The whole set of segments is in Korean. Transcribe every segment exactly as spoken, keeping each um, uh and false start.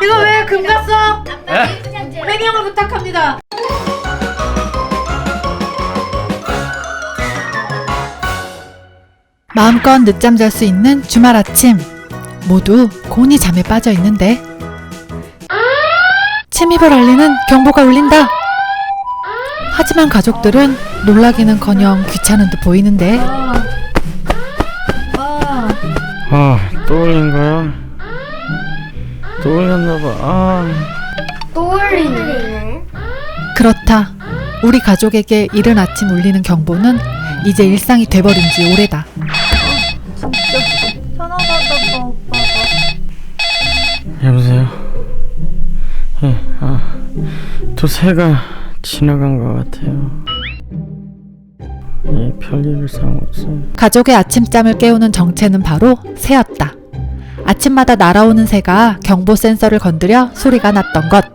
이거 왜 금 갔어? 에? 횡령을 부탁합니다. 마음껏 늦잠 잘 수 있는 주말 아침. 모두 곤히 잠에 빠져 있는데 침입을 알리는 경보가 울린다. 하지만 가족들은 놀라기는커녕 귀찮은 듯 보이는데. 아, 또 울린 거야? 또 울렸나봐. 아. 또 울리네. 그렇다. 우리 가족에게 이른 아침 울리는 경보는 이제 일상이 돼버린 지 오래다. 진짜 편하다 오빠가. 여보세요? 예, 아, 또 새가 지나간 것 같아요. 예, 별일 상 없어요. 가족의 아침잠을 깨우는 정체는 바로 새였다. 아침마다 날아오는 새가 경보 센서를 건드려 소리가 났던 것.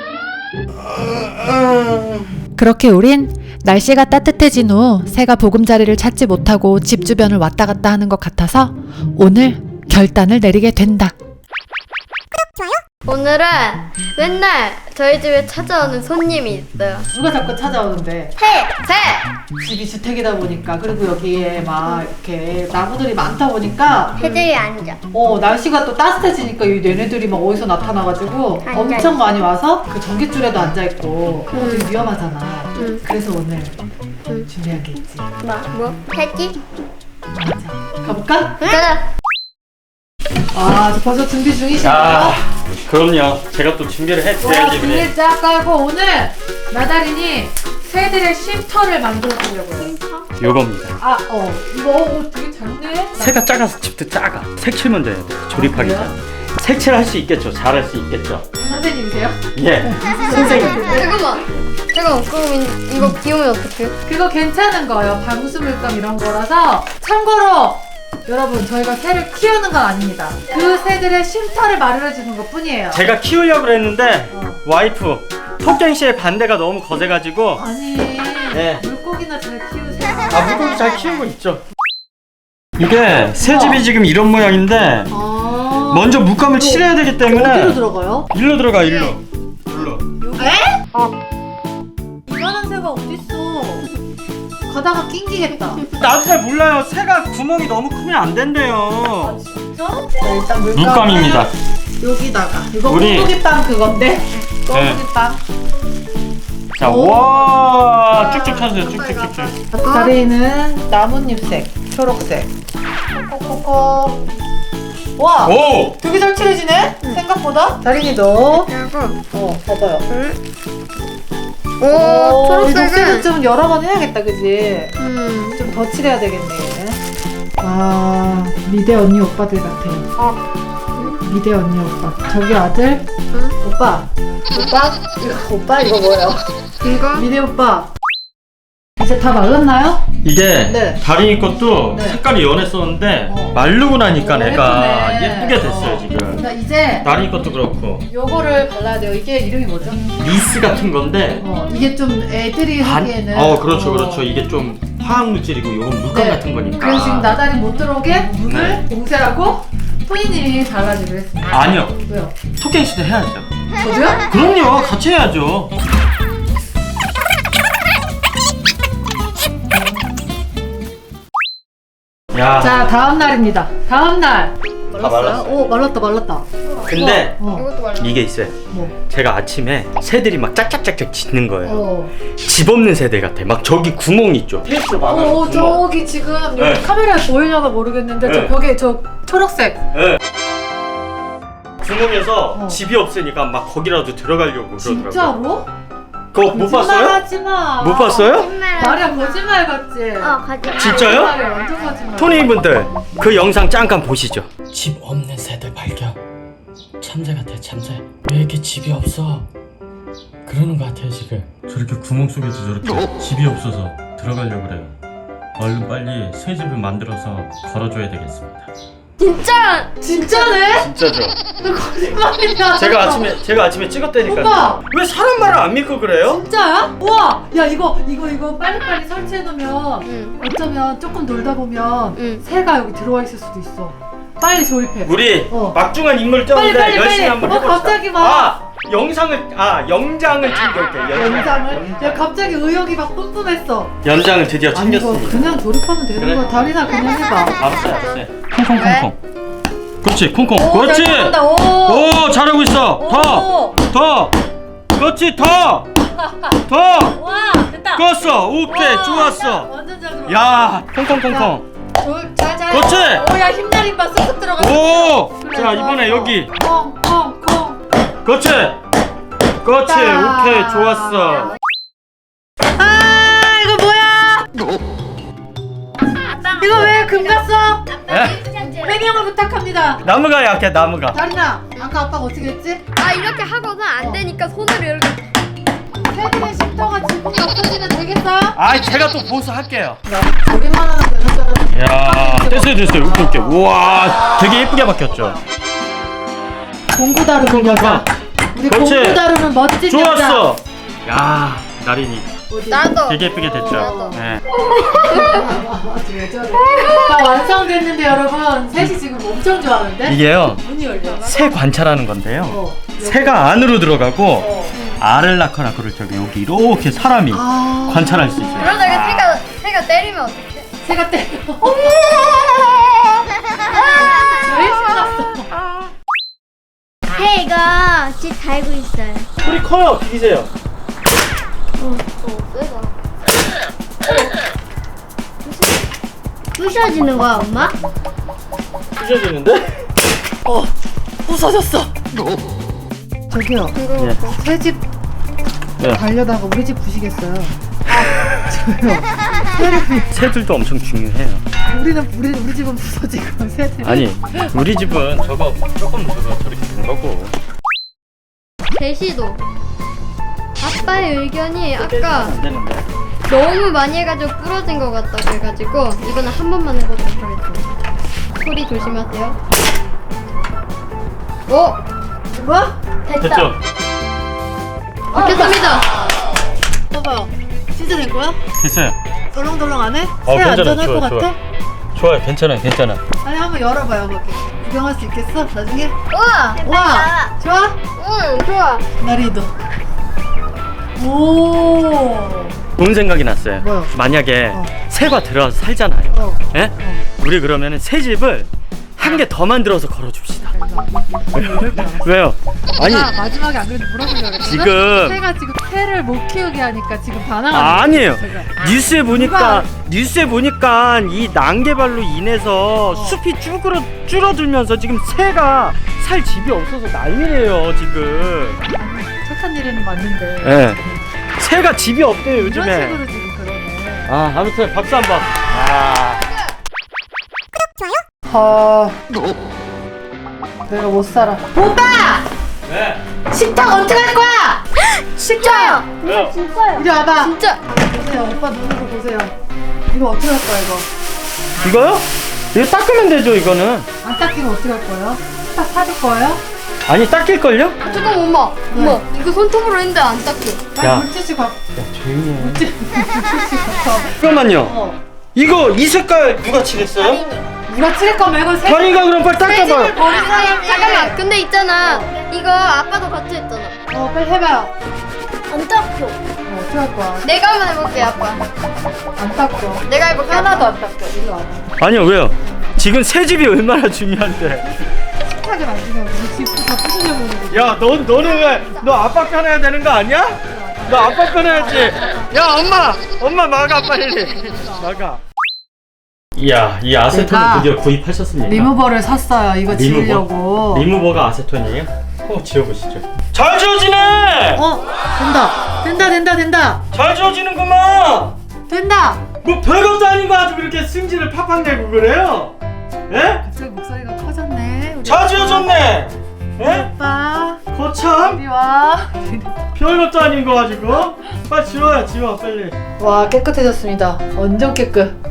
그렇게 우린 날씨가 따뜻해진 후 새가 보금자리를 찾지 못하고 집 주변을 왔다 갔다 하는 것 같아서 오늘 결단을 내리게 된다. 오늘은 맨날 저희 집에 찾아오는 손님이 있어요. 누가 자꾸 찾아오는데? 새! 새! 집이 주택이다 보니까, 그리고 여기에 막 이렇게 나무들이 많다 보니까 새들이 앉아. 어 날씨가 또 따뜻해지니까 이 얘네들이 막 어디서 나타나가지고 앉아있어. 엄청 많이 와서 그 전깃줄에도 앉아있고 그거 되게 음. 위험하잖아. 음. 그래서 오늘 음. 준비한 게 있지. 뭐? 뭐? 새지? 맞아. 가볼까? 가자! 아, 저 벌써 준비 중이시네요. 아, 그럼요. 제가 또 준비를 와, 했어야지. 준비 쫙 깔고 오늘 나다린이 새들의 쉼터를 만들어 주려고요. 요겁니다. 아, 어, 이거 어, 되게 작네. 새가 작아서 집도 작아. 색칠 먼저 해야 돼. 조립하기 아, 전에. 색칠 할 수 있겠죠. 잘할 수 있겠죠. 선생님이세요? 예. 선생님. 잠깐만. 잠깐만. 그럼 이- 이거 비우면 어떡해? 그거 괜찮은 거예요. 방수물감 이런 거라서. 참고로 여러분, 저희가 새를 키우는 건 아닙니다. 그 새들의 쉼터를 마련해 주는 것 뿐이에요. 제가 키우려고 그랬는데 어. 와이프 토깽 씨의 반대가 너무 거세가지고 아니, 네. 물고기나 잘 키우세요. 아, 물고기 잘 키우고 있죠. 이게 새집이 지금 이런 모양인데 아, 먼저 물감을 칠해야 되기 때문에 어디로 들어가요? 일로 들어가 일로. 일로. 에? 이만한 새가 어딨어? 가다가 낑기겠다. 나도 잘 몰라요. 새가 구멍이 너무 크면 안 된대요. 진짜? 자, 일단 물감 물감입니다. 여기다가 이거 우리- 꽁무기빵 그건데 꽁무기빵. 자, 오. 와 쭉쭉 쳐주세요. 쭉쭉쭉쭉. 다리는 나뭇잎색, 초록색. 코코코. 와, 오. 되게 잘 칠해지네. 생각보다. 다린이도. 그리고 어, 봐봐요. 오, 이거 초록색은 좀 여러 번 해야겠다, 그지? 음. 좀 더 칠해야 되겠네. 아, 미대 언니 오빠들 같아. 미대 언니 오빠. 저기 아들. 응? 오빠. 오빠? 이거 오빠 이거 뭐예요? 이거? 미대 오빠. 이제 다 말랐나요? 이게 네. 다리니 것도 네. 색깔이 연했었는데 어. 마르고 나니까 오, 내가 예쁘네. 예쁘게 됐어요 어. 지금. 자, 이제 다리니 것도 그렇고 요거를 발라야 돼요. 이게 이름이 뭐죠? 니스 같은 건데. 어, 이게 좀 애들이 반- 하기에는. 어 그렇죠 어. 그렇죠. 이게 좀 화학 물질이고 요건 물감 네. 같은 거니까. 그래서 지금 나다리 못 들어오게 문을 네. 봉쇄하고 토니님이 발라주기로 했습니다. 아니요. 왜요? 토깽 씨도 해야죠. 저도요? 그럼요. 같이 해야죠. 야. 자, 다음 날입니다. 다음 날. 말랐어요? 오, 말랐다, 말랐다. 근데 어, 이것도 말라. 이게 있어요. 뭐? 제가 아침에 새들이 막 짝짝짝짝 짖는 거예요. 어. 집 없는 새들 같아. 막 저기 구멍 있죠. 테이프로 막아놓은 어, 구멍. 저기 지금 여기 네. 카메라에 보이려나 모르겠는데 네. 저 벽에 저 초록색. 네. 구멍에서 어. 집이 없으니까 막 거기라도 들어가려고 그러더라고요. 진짜로? 그거 못 봤어요? 하지 마. 못 봤어요? 거짓말. 말이야, 거짓말 같지? 어, 거짓말. 진짜요? 말이야, 완전 거짓말. 토니분들 그 영상 잠깐 보시죠. 집 없는 새들 발견. 참새 같아 참새. 왜 이렇게 집이 없어? 그러는 것 같아요 지금. 저렇게 구멍 속에서 저렇게 집이 없어서 들어가려고 그래요. 얼른 빨리 새 집을 만들어서 걸어줘야 되겠습니다. 진짜! 진짜네? 진짜죠? 너 거짓말이야. 제가 아침에 제가 아침에 찍었다니까요. 오빠! 왜 사람 말을 안 믿고 그래요? 진짜야? 우와! 야, 이거 이거 이거 빨리빨리 설치해 놓으면 응. 어쩌면 조금 놀다 보면 응. 새가 여기 들어와 있을 수도 있어. 빨리 조립해. 우리 어. 막중한 인물 쩌는데 빨리, 빨리, 열심히 빨리. 한번 어, 해봅시다. 갑자기 막. 아 영상을 아 영장을 챙겨올게. 연장을? 야 갑자기 의욕이 막 뿜뿜했어. 연장을 드디어 아니 이거 챙겼습니다. 그냥 조립하면 되는 그래. 거야. 다리나 그냥 해봐. 알았어 알았어. 콩콩콩콩. 그렇지 콩콩. 오, 그렇지. 잘 나간다. 오. 오 잘하고 있어. 오. 더 더. 그렇지 더. 더. 와 됐다. 껐어. 오케이 와, 좋았어. 완전 잘 들어. 야 콩콩콩콩. 잘잘. 그렇지. 오야 힘내림 봐 쏙쏙 들어가. 오. 자 이번에 여기. 콩콩콩. 그렇지. 그렇지. 자. 오케이 좋았어. 아 이거 뭐야? 이거 왜 금 갔어? 에? 횡령을 부탁합니다. 나무가 약해 나무가. 다리나 아까 아빠가 어떻게 했지? 아 이렇게 하고는 안 되니까 손을 이렇게. 세진의 쉼터가 지붕이 없어지면 되겠어? 아 제가 또 보수할게요. 야 저기만 하는 거 야 됐어요 됐어요. 오케이 오케이. 우와 되게 예쁘게 바뀌었죠. 공구 다루는 여자. 우리 그렇지. 공구 다루는 멋진 여자. 좋았어. 야 나린이 나도. 되게 예쁘게 됐죠. 나도. 네. 왜 저래? 다 완성됐는데 여러분 셋이 지금 엄청 좋아하는데? 이게요 문이 열려. 새 관찰하는 건데요. 어. 새가 안으로 들어가고 어. 알을 낳거나 그럴 적에 여기 이렇게 사람이 아. 관찰할 수 있어요. 그러다가 새가 새가 때리면 어떡해? 새가 때려. 제일 신났어. 새가 집 달고 있어요. 소리 커요. 비기세요. 부셔지는 거야 엄마? 부셔지는데? 어. 부서졌어. 저기요. 예. 새집 네. 가려다가 우리 집 부시겠어요. 아, 저요. 새를 새들도 엄청 중요해요. 우리는 우리 우리 집은 부서지고 새들. 아니 우리 집은 저거 조금 저거 저렇게 된 거고. 제시도 아빠의 의견이 아까 안 되는데. 너무 많이 해가지고 부러진 것 같다고 해가지고 이거는 한 번만 해보도록 하겠습니다. 소리 조심하세요. 오! 뭐? 됐죠? 됐습니다. 봐봐요. 진짜 된 거야? 됐어요. 덜렁덜렁 안 해? 어, 새 괜찮아, 안전할 좋아, 것 좋아. 같아? 좋아요. 괜찮아요. 괜찮아. 아니 한번 열어봐요 거기. 구경할 수 있겠어? 나중에? 우와! 와! 좋아? 응, 좋아. 나리도. 오. 좋은 생각이 났어요. 뭐요? 만약에 어. 새가 들어와서 살잖아요. 어. 예? 우리 그러면은 새 집을 한 개 더 만들어서 걸어줍시다. 왜요? 아니 아, 마지막에 안 그래도 물어보려고 그랬거든? 지금- 새가 지금 새를 못 키우게 하니까 지금 반항하는 아, 아니에요. 제가. 뉴스에 보니까 누가- 뉴스에 보니까 이 난개발로 인해서 숲이 쭈그러 줄어들면서 지금 새가 살 집이 없어서 난리래요 지금. 착한 일은 맞는데 예. 새가 집이 없대요 이런 요즘에. 식으로 지금 그러네. 아 아무튼 박수 한번. 아. 아, 내가 못 살아. 오빠! 네. 식탁 어떻게 할 거야? 진짜요? 왜요? 진짜요? 이리 와봐. 진짜. 보세요, 오빠 눈으로 보세요. 이거 어떻게 할 거야 이거? 이거요? 이거 닦으면 되죠 이거는. 안 닦이면 어떻게 할 거예요? 딱 사줄 거예요? 아니 닦일걸요? 야 잠깐만 엄마. 엄마 이거 손톱으로 했는데 안 닦여. 빨리 야. 물티슈 갖고. 조용히 해. 물티슈 갖고. 잠깐만요. 어. 이거 이 색깔 누가 칠했어요? 누가 칠할 거면 이거 새. 다리가 그럼 빨리 닦아봐요. 버린 사람이. 잠깐만. 근데 있잖아. 이거 아빠도 같이 했잖아. 어, 빨리 해봐요. 안 닦여. 어, 어떻게 할 거야? 내가 한번 해볼게 아빠. 안 닦여. 내가 해볼게. 하나도 안 닦여. 이리 와봐. 아니요 왜요? 지금 새 집이 얼마나 중요한데. 식탁에 만지면 우리 집부터 부수려고 오는 거지. 야, 너 너는 왜 너 아빠 편해야 되는 거 아니야? 너 아빠 편해야지. 야, 엄마, 엄마 막아 빨리. 막아. 이야, 이 아세톤을 내가 드디어 구입하셨습니까? 리무버를 샀어요. 이거 리무버? 지우려고. 리무버가 아세톤이에요? 어, 지워보시죠. 잘 지워지네. 어, 된다. 된다, 된다, 된다. 잘 지워지는구만. 된다. 뭐 별것도 아닌 거 아주 그렇게 승질을 팍팍 내고 그래요? 예? 갑자기 목소리가 커졌네. 우리 잘 지워졌네. 예? 오빠. 거참 이리 와. 별것도 아닌 거 가지고 빨리 지워요, 지워 빨리. 와, 깨끗해졌습니다. 완전 깨끗.